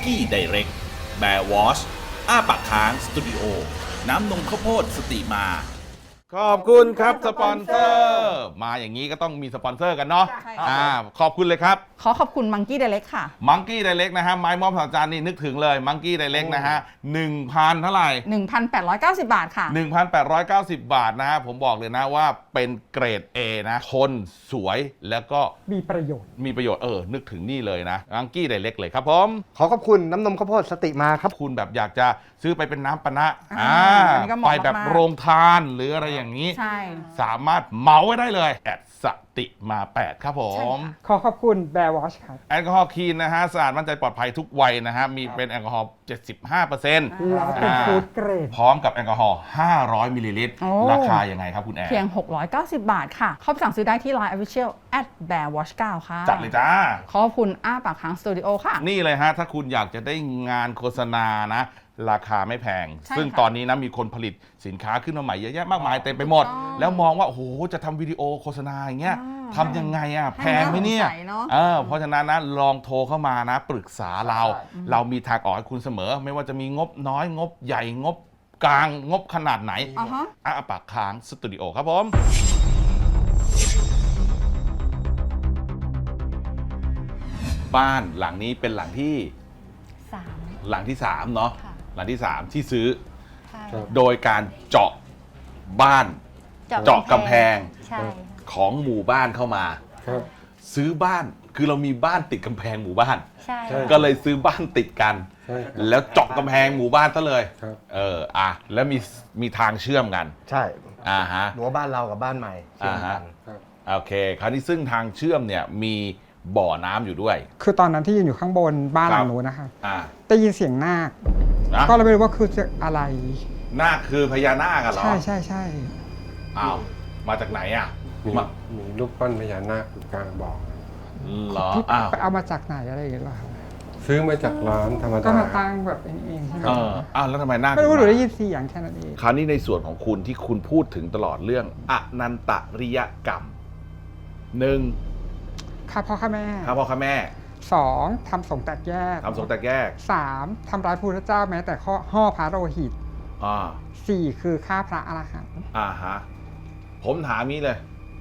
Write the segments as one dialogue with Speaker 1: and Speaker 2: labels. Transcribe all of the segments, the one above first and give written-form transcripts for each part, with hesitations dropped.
Speaker 1: กี้ไดเรกแบร์วอชอ้าปากค้างสตูดิโอน้ำนมข้าวโพดสติมา
Speaker 2: ขอบคุณครับสปอนเซอร์มาอย่างนี้ก็ต้องมีสปอนเซอร์กันเนาะ
Speaker 3: ใช่ครับ
Speaker 2: ขอบคุณเลยครับ
Speaker 3: ขอบคุณมังกี้ไดเรกค่ะ
Speaker 2: มังกี้ไดเล็กนะฮะไม้มอบสาวจานนี่นึกถึงเลยมังกี้ไดเล็กนะฮะ 1,000 เท่าไหร่
Speaker 3: 1,890 บาทค่ะ
Speaker 2: 1,890 บาทนะฮะผมบอกเลยนะว่าเป็นเกรด A นะทนสวยแล้วก็
Speaker 4: มีประโยชน์
Speaker 2: มีประโยชน์นึกถึงนี่เลยนะมังกี้ไดเล็กเลยครับผม
Speaker 5: ขอขอบคุณน้ำนมข้าวโพดสติมาครับ
Speaker 2: คุณแบบอยากจะซื้อไปเป็นน้ำปะนะ
Speaker 3: อันนี้ก็เหมาะ
Speaker 2: ไปแบบ
Speaker 3: มากๆ
Speaker 2: โรงทานหรืออะไรอย่างนี้
Speaker 3: ใช่
Speaker 2: สามารถเหมาไว้ได้เลยแอดสติมา 8 ครับผม
Speaker 4: ขอขอบคุณแบร์วอชครับ
Speaker 2: แอลกอฮอล์คลีนนะฮะสะอาดมั่นใจปลอดภัยทุกวัยนะฮะมีเป็นแอลกอฮอล์ 75%
Speaker 4: แล้วเป็นฟู้ดเกรด
Speaker 2: พร้อมกับแอลกอฮอล์ 500 มิลลิลิตร
Speaker 3: โอ้
Speaker 2: ราคายังไงครับคุณแอร์
Speaker 3: เพียง 690 บาทค่ะ เข้าไปสั่งซื้อได้ที่ Line Official @bearwatch9 ค่ะ
Speaker 2: จัดเลยจ้า
Speaker 3: ขอบคุณอ้าปากค้างสตูดิโอค่ะ
Speaker 2: นี่เลยฮะ ถ้าคุณอยากจะได้งานโฆษณานะ ราคาไม่แพง
Speaker 3: ใช่
Speaker 2: ซึ่ง
Speaker 3: ค่ะ
Speaker 2: ตอนนี้นะมีคนผลิตสินค้าขึ้นมาใหม่เยอะแยะมากมายเต็มไปหมด
Speaker 3: ถูกต้อง
Speaker 2: แล้วมองว่า โอ้โห จะทำวิดีโอโฆษณาอย่างเงี้ย ทำยังไงอ่ะ
Speaker 3: ให้
Speaker 2: แพงไหมเนี่ย
Speaker 3: น่าสงสัยเนอะ
Speaker 2: เพราะฉะนั้นนะลองโทรเข้ามานะปรึกษาเรา เรามีทางออกให้คุณเสมอ ไม่ว่าจะมีงบน้อยงบใหญ่งบกลางงบขนาดไหน
Speaker 3: อ่าฮะ
Speaker 2: อ้าปากค้างสตูดิโอครับผม บ้านหลังนี้เป็นหลังที่
Speaker 6: 3
Speaker 2: หลังที่ 3 เนาะ
Speaker 6: ค่ะ
Speaker 2: หลังที่ 3 ที่ซื้อ
Speaker 6: ใช่
Speaker 2: โดยการเจาะบ้าน เจาะกำแพง
Speaker 6: ใช่
Speaker 2: ของหมู่บ้านเข้ามา
Speaker 5: ครับ
Speaker 2: ซื้อบ้านคือเรามีบ้านติดกำแพงหมู่บ้าน
Speaker 6: ใช่
Speaker 5: ใช่
Speaker 2: ก็เลยซื้อบ้านติดกัน
Speaker 5: ใช่ครับ
Speaker 2: แล้วเจาะกำแพงหมู่บ้านซะเลย
Speaker 5: ครับ
Speaker 2: แล้วมีทางเชื่อมกัน
Speaker 5: ใช่
Speaker 2: ฮะ
Speaker 5: รั้วบ้านเรากับบ้านใหม่เชื่อมกัน
Speaker 2: ครับ โอเค คราวนี้ซึ่งทางเชื่อมเนี่ยมีบ่อน้ำอยู่ด้วย
Speaker 4: คือตอนนั้นที่ยืนอยู่ข้างบนบ้านหลั
Speaker 2: ครั
Speaker 4: ง
Speaker 2: บ
Speaker 4: นู้นนะคะ
Speaker 2: อ่า
Speaker 4: ได้ยินเสียงนาค
Speaker 2: นะ
Speaker 4: ก็เลยไม่รู้ว่าคืออะไร
Speaker 2: นาคคือพญานาคกันเหรอ
Speaker 4: ใช่ใช่ใช่
Speaker 2: อ้าวมาจากไหนอ่ะ
Speaker 7: มี
Speaker 2: มา
Speaker 7: มีรูปปั้นพญานาคอยู่กลางบ่อ
Speaker 2: เหรอ
Speaker 4: พี่
Speaker 2: อ้าว
Speaker 4: ไปเอามาจากไหนอะไรอย่างเงี้ยเหรอครับ
Speaker 7: ซื้อมาจากร้านธรรม
Speaker 4: ก็
Speaker 7: ดา
Speaker 4: มาตั้งแบบเองใช่ไหม
Speaker 2: อ้าวแล้วทำไมนาค
Speaker 4: ไม่รู้
Speaker 2: ถึง
Speaker 4: หนูได้
Speaker 2: มา
Speaker 4: ยินเสียงแค่นั้นเอง
Speaker 2: คราวนี้ในส่วนของคุณที่คุณพูดถึงตลอดเรื่องอนันตริยกรรม 1.
Speaker 4: ข้าพ่อข้าแม่
Speaker 2: ข้าพ่อข้าแม่
Speaker 4: 2. ทำสงฆ์แตกแยก
Speaker 2: ทำสงฆ์แตกแยก
Speaker 4: 3. ทำร้ายพระพุทธเจ้าแม้แต่ห่อพระโลหิต
Speaker 2: อ่า
Speaker 4: 4. คือฆ่าพระอรหันต์
Speaker 2: ฮะผมถามนี้เลย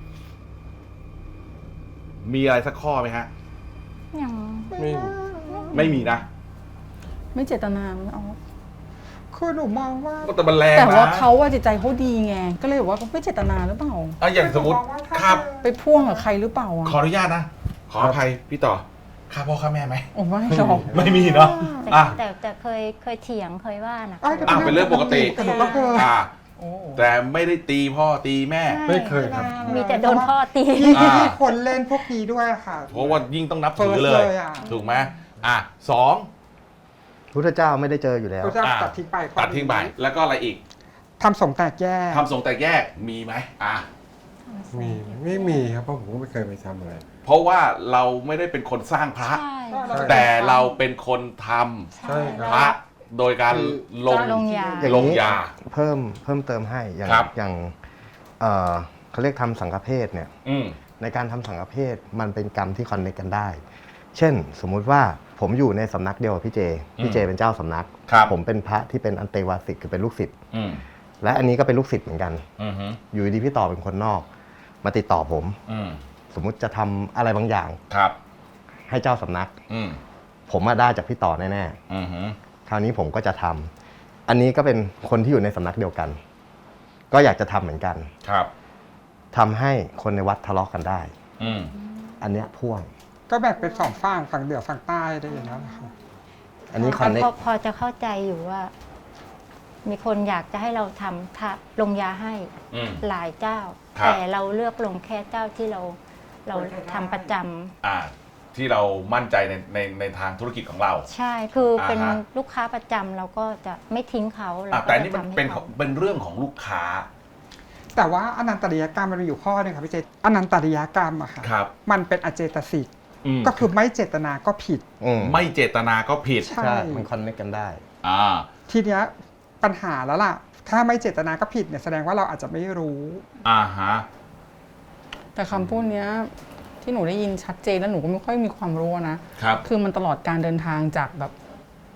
Speaker 2: มีอะไรสักข้อไหมฮะ
Speaker 6: ยัง
Speaker 7: ไม่
Speaker 2: ไม่มีนะ
Speaker 3: ไม่เจตนาไม่เอา
Speaker 4: คือหนูมองว่า
Speaker 2: ก็แต่มันแรงนะ
Speaker 3: แต่ว่าเขาว่าจิตใจเขาดีไง ก็เลยบอกว่าเขาไม่เจตนาหรือเปล่า
Speaker 2: อย่างสมมติครับ
Speaker 3: ไปพ่วงกับใครหรือเปล่าอ่ะ
Speaker 2: ขออนุญาตนะ ขออภัยพี่ต่อข้าพ่อข้าแม่ไหม
Speaker 3: โอ้ไม่หรอก
Speaker 2: ไม่มีเนาะ
Speaker 6: แต่เคยเถียงเคยว่านะ
Speaker 2: เป็นเรื่องปกติ
Speaker 4: แต่หนูก็เคย
Speaker 3: โอ้
Speaker 2: แต่ไม่ได้ตีพ่อตีแม่
Speaker 7: ไม่เคยครับ
Speaker 6: มีแต่โดนพ่อตี
Speaker 4: ที่
Speaker 2: อ่า
Speaker 4: มีคนเล่นพวกนี้ด้วยค่ะ
Speaker 2: เพราะว่ายิ่งต้องนับถือเลย
Speaker 4: เฟิร์สเลยอะ ถู
Speaker 2: ถูกไหมสอง
Speaker 5: พุทธเจ้าไม่ได้เจออยู่แล้ว
Speaker 4: พระเจ้าตัดทิ้งไปข้อ
Speaker 2: ตัดทิ้งไป แล้วก็อะไรอีก
Speaker 4: ทำสงฆ์แตกแยก
Speaker 2: ทำสงฆ์แตกแยกมีไหม
Speaker 7: มีไม่มีครับเพราะผมก็ไม่เคยไปทำอะไร
Speaker 2: เพราะว่าเราไม่ได้เป็นคนสร้างพระ
Speaker 6: ใช่
Speaker 2: แต่เราเป็นคนท
Speaker 7: ใช่
Speaker 2: ำ
Speaker 7: ครับ
Speaker 2: พระโดยการลง
Speaker 6: ลงยา
Speaker 2: ลงยา
Speaker 5: เพิ่มเติมให้อย่าง
Speaker 2: ครับ
Speaker 5: อย่างเขาเรียกทำสังฆเพศเนี่ย
Speaker 2: อืม
Speaker 5: ในการทำสังฆเพศมันเป็นกรรมที่คอนเนคกันได้ เช่น สมมุติว่าผมอยู่ในสำนักเดียวกับพี่เจ พี่เจเป็นเจ้าสำนัก
Speaker 2: ครับ
Speaker 5: ผมเป็นพระที่เป็นอันเตวาสิกคือเป็นลูกศิษย์
Speaker 2: อืม
Speaker 5: และอันนี้ก็เป็นลูกศิษย์เหมือนกัน
Speaker 2: อืม
Speaker 5: อยู่ดีพี่ต่อเป็นคนนอก มาติดต่อผม
Speaker 2: อืม
Speaker 5: สมมุติจะทำอะไรบางอย่าง
Speaker 2: ครับ
Speaker 5: ให้เจ้าสำนัก
Speaker 2: อืม
Speaker 5: ผมมาได้จากพี่ต่อแน่
Speaker 2: อืม
Speaker 5: ๆคราวนี้ผมก็จะทำอันนี้ก็เป็นคนที่อยู่ในสำนักเดียวกัน ก็อยากจะทำเหมือนกัน
Speaker 2: ครับ
Speaker 5: ทำให้คนในวัดทะเลาะกันได้
Speaker 2: อืม
Speaker 5: อันเนี้ยพ่วง
Speaker 4: ก็แบ่งเป็นสองฝั่งเหนือฝั่งใต้ได้อย่างนั้นนะคะ
Speaker 5: อันนี้คอนเนค
Speaker 6: พอจะเข้าใจอยู่ว่า มีคนอยากจะให้เราทำลงยาให้
Speaker 2: อืม
Speaker 6: หลายเจ้า
Speaker 2: ครับ
Speaker 6: แต่เราเลือกลงแค่เจ้าที่เราทำประจำ
Speaker 2: ที่เรามั่นใจในทางธุรกิจของเรา
Speaker 6: ใช่คือเป็น
Speaker 2: อ่าฮะ
Speaker 6: ลูกค้าประจำเราก็จะไม่ทิ้งเขาเราก็
Speaker 2: แต่
Speaker 6: จะ
Speaker 2: นี่มัน
Speaker 6: ทำให้
Speaker 2: เป็น
Speaker 6: เขา
Speaker 2: เป็นเรื่องของลูกค้า
Speaker 4: แต่ว่าอนันตริยกรรมมันมีอยู่ข้อหนึงค่ะพี่เจอนันตริยกรรมอะค่ะ
Speaker 2: ครับ
Speaker 4: มันเป็นอเจตสิก
Speaker 2: อืม
Speaker 4: ก็คือไม่เจตนาก็ผิด
Speaker 2: ไม่เจตนาก็ผิด
Speaker 4: ใช่
Speaker 5: ใช่มันคอนเนคกันได้
Speaker 2: อ่า
Speaker 4: ทีเนี้ยปัญหาแล้วล่ะ ถ้าไม่เจตนาก็ผิดเนี่ยแสดงว่าเราอาจจะไม่รู้
Speaker 2: ฮะ
Speaker 3: แต่คำพูดเนี้ยที่หนูได้ยินชัดเจนแล้วหนูก็ไม่ค่อยมีความรู้นะ
Speaker 2: ครับ
Speaker 3: คือมันตลอดการเดินทางจากแบบ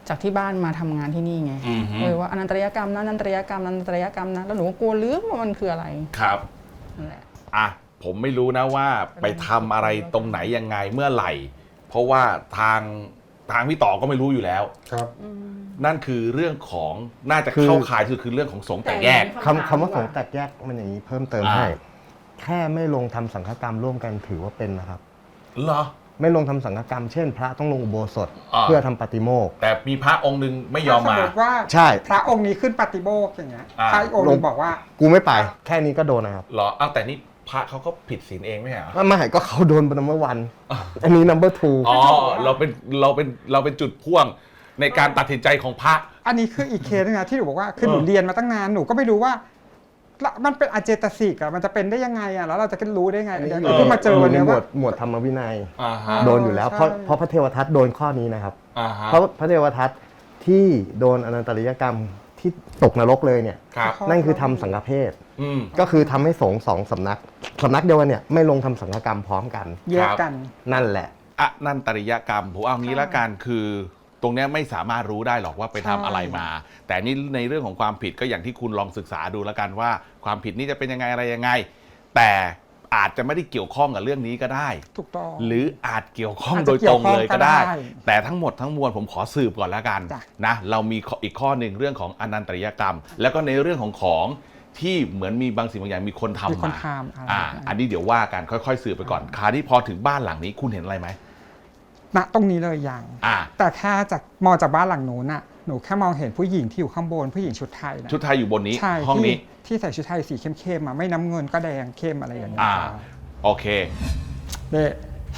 Speaker 3: จากที่บ้านมาทำงานที่นี่ไง
Speaker 2: อือฮึ
Speaker 3: ว่าอนันตริยกรรมนะอนันตริยกรรมอนันตริยกรรมนะแล้วหนูก็กลัวลืมว่ามันคืออะไร
Speaker 2: ครับ
Speaker 3: นั่นแหละ
Speaker 2: อ่ะผมไม่รู้นะว่าไปทำอะไรตรงไหนยังไงเมื่อไหร่ เพราะว่าทางพี่ต่อก็ไม่รู้อยู่แล้ว
Speaker 7: ครับ
Speaker 2: นั่นคือเรื่องของน่าจะเข้าข่ายคือเรื่องของสงฆ์แตกแยก
Speaker 5: คำว่าสงฆ์แตกแยกมันอย่างนี้เพิ่มเติม
Speaker 2: อ่า
Speaker 5: ให้ แค่ไม่ลงทำสังฆกรรมร่วมกันถือว่าเป็นนะครับ
Speaker 2: เหรอ
Speaker 5: ไม่ลงทำสังฆกรรมเช่น พระต้องลงอุโบสถ
Speaker 2: อ่า
Speaker 5: เพื่อทำปฏิโมกข์
Speaker 2: แต่มีพระองค์หนึ่งไม่ยอม
Speaker 4: ถ้าส
Speaker 2: มา
Speaker 4: มมติว่า
Speaker 5: ใช่
Speaker 4: พระองค์นี้ขึ้นปฏิโมกข์อย่างเงี้ย
Speaker 2: อ่า
Speaker 4: พระอีกองค์หนึงบอกว่า
Speaker 5: กูไม่ไป แค่นี้ก็โดนนะครับ
Speaker 2: เหรออ้าวแต่นี่พระเขาก็ผิดศีลเองไม่ใช่เหรอ
Speaker 5: ไม่ก็เขาโดนเป็น number one อันนี้ number two
Speaker 2: อ๋อเราเป็นจุดพ่วงในการตัดสินใจของพระ
Speaker 4: อันนี้คืออีกเคสนึงนะที่หนูบอกว่าคือหนูเรียนมาตั้งนานหนูก็ไม่รู้ว่าละมันเป็นอเจตสิกอะมันจะเป็นได้ยังไงอะแล้วเราจะรู้ได้ไงเดี๋ยวหนูเพิ่งมาเจอวันเนี้ย
Speaker 5: หม
Speaker 4: ว่า
Speaker 5: วดหมวดธรรมวินัย
Speaker 2: อ่าฮะ
Speaker 5: โดนอยู่แล้ว
Speaker 4: ใช่
Speaker 5: เพราะพระเทวทัตโดนข้อนี้นะครับ
Speaker 2: อ่าฮะ
Speaker 5: เพราะพระเทวทัตที่โดนอนันตริยกรรมที่ตกนรกเลยเนี่ย
Speaker 2: ครับ
Speaker 5: นั่นคือทำสังฆเพศ
Speaker 2: อืม
Speaker 5: ก็คือทำให้สงฆ์สองสำนักเดียวกันเนี่ยไม่ลงทำสังฆกรรมพร้อมกัน
Speaker 4: แยกกัน
Speaker 5: นั่นแหละ
Speaker 2: อนันตริยกรรมผมเอางี้ละกันคือตรงเนี้ยไม่สามารถรู้ได้หรอกว่าไปทำอะไรมา แต่นี่ในเรื่องของความผิดก็อย่างที่คุณลองศึกษาดูแล้วกันว่าความผิดนี้จะเป็นยังไงอะไรยังไง แต่อาจจะไม่ได้เกี่ยวข้องกับเรื่องนี้ก็ได้
Speaker 4: ถูกต้อง
Speaker 2: หรืออาจเกี่ยวข้อง
Speaker 4: อาจ
Speaker 2: โด
Speaker 4: จะ
Speaker 2: ยตรงเลยก็ได้
Speaker 4: เกี่ยวข้องก็ได้
Speaker 2: แต่ทั้งหมดทั้งมวลผมขอสืบก่อนแล้วกัน
Speaker 4: จ้ะ
Speaker 2: นะเรามีอีกข้อหนึ่งเรื่องของอนันตริยกรรม แล้วก็ในเรื่องของที่เหมือนมีบางสิ่งบางอย่างมีคนทำ
Speaker 4: มีคน
Speaker 2: มา
Speaker 4: ทำอะไร
Speaker 2: อันนี้เดี๋ยวว่ากันค่อยๆสืบไปก่อนคราวนี้พอถึงบ้านหลังนี้คุณเห็นอะไรไหม
Speaker 4: ณตรงนี้เลยยัง
Speaker 2: อ่า
Speaker 4: แต่แค่จากมองจากบ้านหลังนู้นน่ะหนูแค่มองเห็นผู้หญิงที่อยู่ข้างบนผู้หญิงชุดไทยนะ
Speaker 2: ชุดไทยอยู่บนนี้
Speaker 4: ใช่
Speaker 2: ห้องนี้
Speaker 4: ที่ใส่ชุดไทยสีเข้มๆมาไม่น้ำเงินก็แดงเข้มอะไรอย่างเงี้ย
Speaker 2: อ่า โอเค
Speaker 4: เนี่ย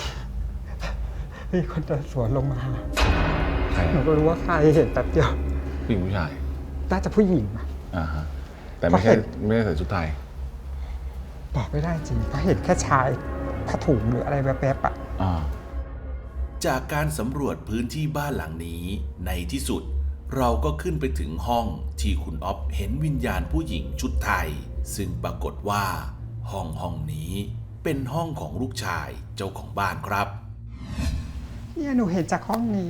Speaker 4: มีคนเดินสวนลงมา
Speaker 2: ใคร
Speaker 4: หนูก็รู้ว่าใครเห็นแป๊บเดียว
Speaker 2: ผู้หญิงผู้ชาย
Speaker 4: น่าจะผู้หญิงอะ
Speaker 2: อ่าฮะแต่ไม่ใช่ไม่ได้ใส่ชุดไทย
Speaker 4: บอกไม่ได้จริงเพราะเห็นแค่ชายผ้าถุงหรืออะไรแวบๆอะ
Speaker 2: อ่า
Speaker 1: จากการสำรวจพื้นที่บ้านหลังนี้ในที่สุด เราก็ขึ้นไปถึงห้องที่คุณอ๊อฟเห็นวิญญาณผู้หญิงชุดไทย ซึ่งปรากฏว่าห้องนี้เป็นห้องของลูกชายเจ้าของบ้านครับ
Speaker 4: เนี่ยหนูเห็นจากห้องนี้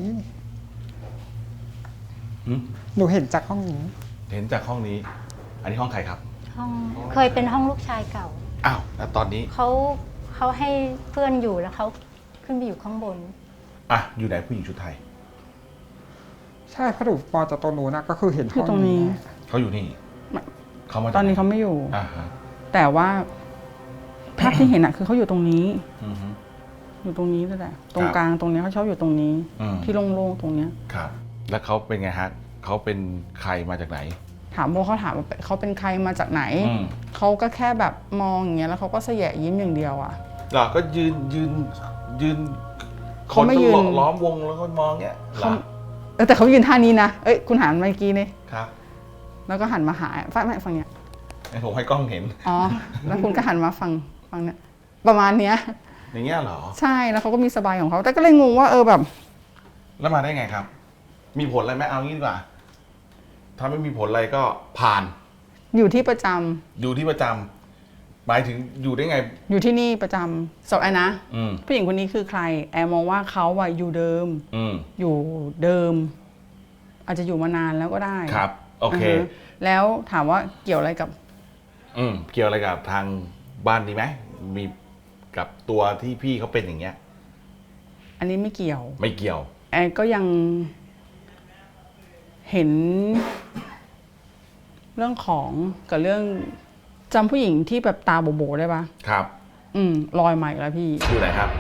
Speaker 2: หืม
Speaker 4: หนูเห็นจากห้องนี้
Speaker 2: เห็นจากห้องนี้ อันนี้ห้องใครครับ
Speaker 6: ห้องเคยเป็นห้องลูกชายเก่า
Speaker 2: อ้าวแล้วตอนนี้
Speaker 6: เขาให้เพื่อนอยู่แล้วเขาขึ้นไปอยู่ข้างบน
Speaker 2: อ่ะอยู่ไหนผู้หญิงชุดไทย
Speaker 4: ใช่เพราะหนูมองจากตรงนู้นนะก็คือเห็น
Speaker 3: คือตรงนี้
Speaker 2: เขาอยู่นี่
Speaker 3: ไม่
Speaker 2: เขามาจาก
Speaker 3: ตอนนี้
Speaker 2: ไห
Speaker 3: เขาไม่อยู่
Speaker 2: อ่าฮะ
Speaker 3: แต่ว่าภาพที่เห็นอะคือเขาอยู่ตรงนี้
Speaker 2: อือฮึ
Speaker 3: อยู่ตรงนี้นั่นแหละตร
Speaker 2: ค
Speaker 3: ง
Speaker 2: รับ
Speaker 3: กลางตรงเนี้ยเขาชอบอยู่ตรงนี้
Speaker 2: อืม
Speaker 3: ที่โล่งๆตรงเนี้ย
Speaker 2: ครับ แล้วเขาเป็นไงฮะเขาเป็นใครมาจากไหน
Speaker 3: ถามโบเขาถามว่าเขาเป็นใครมาจากไหน
Speaker 2: อืม
Speaker 3: เขาก็แค่แบบมองอย่างเงี้ยแล้วเขาก็เสยะยิ้มอย่างเดียวอะ
Speaker 2: เหรอก็ยืน
Speaker 3: เขาไม่ยืน
Speaker 2: ล้อมวงแล้วก็มองเงี้ยเหรอ
Speaker 3: แต่เขายืนท่านี้นะเอ้ยคุณหันมาเมื่อกี้นี่
Speaker 2: ครับ
Speaker 3: แล้วก็หันมาหาฝั่งเนี้ย
Speaker 2: ให้ผมให้กล้องเห็น
Speaker 3: อ๋อ แล้วคุณก็หันมาฝั่งเนี้ยประมาณเนี้ย
Speaker 2: อย่างเงี้ยเหรอ
Speaker 3: ใช่แล้วเขาก็มีสบายของเขาแต่ก็เลยงงว่าแบบ
Speaker 2: แล้วมาได้ไงครับ มีผลอะไรไหมเอางี้ดีกว่า ถ้าไม่มีผลอะไรก็ผ่าน
Speaker 3: อยู่ที่ประจำ
Speaker 2: อยู่ที่ประจำหมายถึงอยู่ได้ไง
Speaker 3: อยู่ที่นี่ประจำสอบแอนนะ
Speaker 2: อืม
Speaker 3: ผู้หญิงคนนี้คือใคร แอร์มองว่าเขาอะอยู่เดิม
Speaker 2: อืม
Speaker 3: อยู่เดิม อาจจะอยู่มานานแล้วก็ได้
Speaker 2: ครับ โอเค
Speaker 3: าฮะแล้วถามว่าเกี่ยวอะไรกับ
Speaker 2: เกี่ยวอะไรกับทางบ้านดีไหม มีกับตัวที่พี่เขาเป็นอย่างเงี้ย
Speaker 3: อันนี้ไม่เกี่ยว
Speaker 2: ไม่เกี่ยว
Speaker 3: แอนก็ยังเห็น เรื่องของกับเรื่องจำผู้หญิงที่แบบตาโบๆได้ปะ
Speaker 2: ครับ
Speaker 3: ลอยมาอีกแล้วพี่
Speaker 2: อยู่ไหนครับ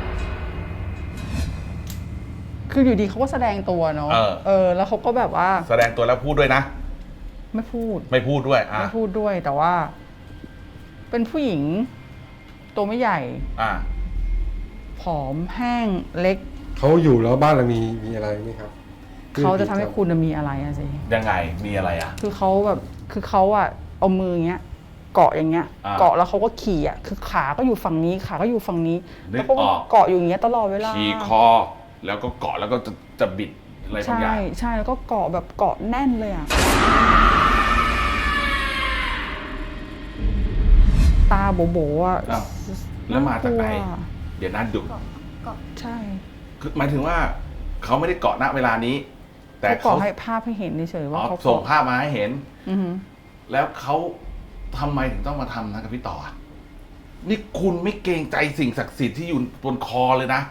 Speaker 3: คืออยู่ดีเขาก็แสดงตัวเนาะ แล้วเขาก็แบบว่า
Speaker 2: แสดงตัวแล้วพูดด้วยนะ
Speaker 3: ไม่พูด
Speaker 2: ไม่พูดด้วย อ่ะ
Speaker 3: ไม่พูดด้วยแต่ว่า เป็นผู้หญิง ตัวไม่ใหญ่
Speaker 2: อ่ะ
Speaker 3: ผอมแห้งเล็ก
Speaker 7: เขาอยู่แล้วบ้านเรามีอะไรไหมครับ
Speaker 3: เขาจะทำให้คุณมีอะไรอะสิ
Speaker 2: ยังไง มีอะไรอ่ะ
Speaker 3: คือเขาแบบคือเขาอะเอามืออย่างเงี้ย เกาะอย่างเงี้ย
Speaker 2: อ่า
Speaker 3: เกาะแล้วเขาก็ขี่อะคือขาก็อยู่ฝั่งนี้ขาก็อยู่ฝั่งนี้
Speaker 2: นึก
Speaker 3: แล้วก็
Speaker 2: ออก
Speaker 3: เกาะอยู่อย่างเงี้ยตลอดเวลา
Speaker 2: ขี่คอ แล้วก็เกาะแล้วก็จะบิดอะไรบาง
Speaker 3: ใช่
Speaker 2: อย่าง
Speaker 3: ใช่แล้วก็เกาะแบบเกาะแน่นเลยอะตาโบๆอะ
Speaker 2: อ้าวแล้วมาจากไหน
Speaker 3: น่กลัว
Speaker 2: เดี๋ยวนั้นดุ
Speaker 3: ใช่
Speaker 2: คือหมายถึงว่าเขาไม่ได้เกาะณเวลานี้แต่
Speaker 3: เขาบ
Speaker 2: เขา
Speaker 3: อกให้ภาพให้เห็นเฉยๆว่าเขา
Speaker 2: ส่งภาพมาให้เห็น
Speaker 3: อือหือ
Speaker 2: แล้วเขาทำไมถึงต้องมาทำนะกับพี่ต่ออะนี่คุณไม่เกรงใจสิ่งศักดิ์สิทธิ์ที่อยู่บนคอเลยนะ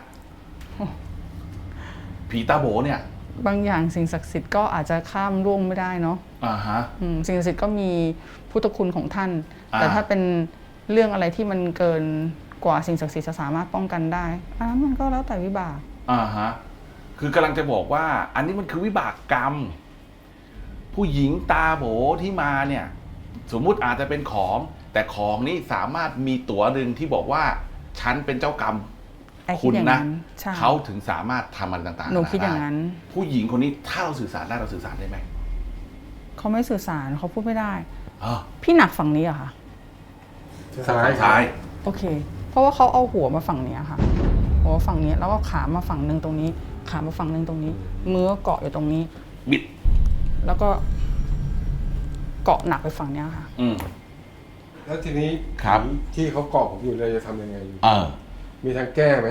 Speaker 2: ผีตาโบเนี่ย
Speaker 3: บางอย่างสิ่งศักดิ์สิทธิ์ก็อาจจะข้ามล่วงไม่ได้เนาะ
Speaker 2: อ่าฮะ
Speaker 3: สิ่งศักดิ์สิทธิ์ก็มีพุทธคุณของท่าน
Speaker 2: อ่า
Speaker 3: แต่ถ้าเป็นเรื่องอะไรที่มันเกินกว่าสิ่งศักดิ์สิทธิ์จะสามารถป้องกันได้อันนั้นมันก็แล้วแต่วิบาก
Speaker 2: อ่าฮะ คือกำลังจะบอกว่า อันนี้มันคือวิบากกรรม ผู้หญิงตาโบที่มาเนี่ย สมมุติอาจจะเป็นของ แต่ของนี้สามารถมีตั๋วหนึ่งที่บอกว่า ฉันเป็นเจ้ากรรม
Speaker 3: ไอ้คิ
Speaker 2: คุ
Speaker 3: ด
Speaker 2: ณ
Speaker 3: อย่าง
Speaker 2: นะ
Speaker 3: นั้นใช่
Speaker 2: เขาถึงสามารถทำอะไรต่างๆ
Speaker 3: หนูคิดอย่างนั้น
Speaker 2: ไผู้หญิงคนนี้ถ้าเราสื่อสารได้เราสื่อสารได้ไหม
Speaker 3: เขาไม่สื่อสารเขาพูดไม่ได้
Speaker 2: อ๋อ
Speaker 3: พี่หนักฝั่งนี้เหรอะค่ะ
Speaker 2: ซ้าย
Speaker 3: โอเค เพราะว่าเขาเอาหัวมาฝั่งเนี้ยค่ะหัวฝั่งนี้แล้วก็ขามาฝั่งหนึ่งตรงนี้ ขามาฝั่งหนึ่งตรงนี้ มือก็เกาะอยู่ตรงนี้
Speaker 2: บิด
Speaker 3: แล้วก็เกาะหนักไปฝั่งเนี้ยค่ะ
Speaker 2: อืม
Speaker 7: แล้วทีนี้
Speaker 2: ครับ
Speaker 7: ที่เขาเกาะผมอยู่เลยจะทำยังไงอยู่
Speaker 2: เออ
Speaker 7: มีทางแก้ไหม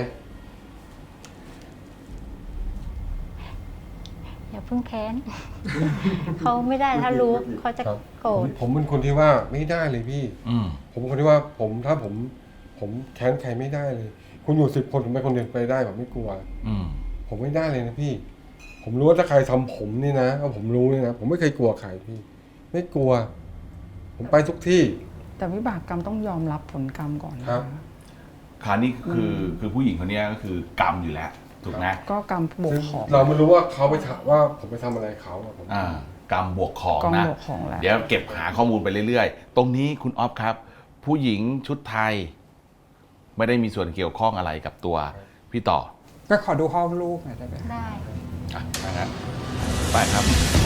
Speaker 6: อย่าเพิ่งแค้น เขาไม่ได้ถ้ารู้เขาจะ
Speaker 7: ครับ
Speaker 6: โกรธ
Speaker 7: ผมเป็นคนที่ว่าไม่ได้เลยพี่
Speaker 2: อืม
Speaker 7: ผมเป็นคนที่ว่าถ้าผมแค้นใครไม่ได้เลย คุณอยู่10 คนผมไปคนเดียวไปได้ผมไม่กลัว
Speaker 2: อืม
Speaker 7: ผมไม่ได้เลยนะพี่ ผมรู้ว่าถ้าใครทำผมนี่นะเอาผมรู้นี่นะผมไม่เคยกลัวใครพี่ ไม่กลัว ผมไปทุกที่
Speaker 3: แต่วิบากกรรมต้องยอมรับผลกรรมก่อนนะ
Speaker 7: ครั
Speaker 3: คะ
Speaker 7: บ
Speaker 2: คราวนี้คือผู้หญิงคนนี้ก็คือกรรมอยู่แล้ว ถูกไหม
Speaker 3: ก็กรรมบวก
Speaker 7: ซึ่ง
Speaker 3: ของ
Speaker 7: เราไม่รู้ว่าเขาไปทำว่าผมไปทำอะไรเขาอะผม
Speaker 2: กรรมบวกของ
Speaker 3: กรรม
Speaker 2: นะ
Speaker 3: บวกของแหละ
Speaker 2: เดี๋ยวเก็บหาข้อมูลไปเรื่อยๆ ตรงนี้คุณออฟครับ ผู้หญิงชุดไทย ไม่ได้มีส่วนเกี่ยวข้องอะไรกับตัวพี่ต่อ
Speaker 4: ก็ขอดูห้องลูกหน่อยได้ไหม
Speaker 6: ได้
Speaker 2: อ่ะไปครับ